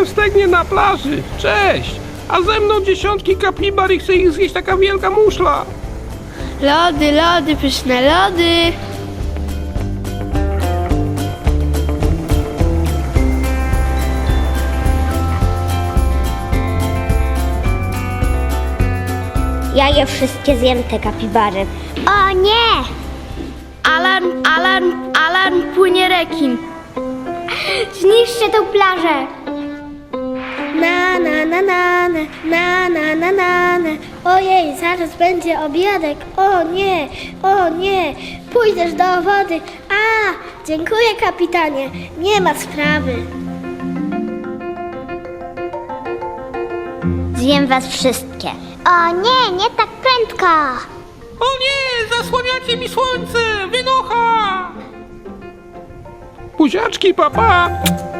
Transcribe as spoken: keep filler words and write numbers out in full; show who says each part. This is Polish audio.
Speaker 1: stegnie na plaży. Cześć! A ze mną dziesiątki kapibar i chce ich zjeść taka wielka muszla.
Speaker 2: Lody, lody, pyszne lody.
Speaker 3: Ja je wszystkie zjem, te kapibary. O nie!
Speaker 2: Alarm, alarm, alarm, płynie rekin.
Speaker 3: Zniszczę tą plażę! Na na na na na na na na na na. Ojej, zaraz będzie obiadek. O nie, o nie, pójdziesz do wody. A, dziękuję kapitanie, nie ma sprawy. Zjem was wszystkie. O nie, nie tak prędko.
Speaker 1: O nie! Zasłaniacie mi słońce! Wynocha! Buziaczki, papa!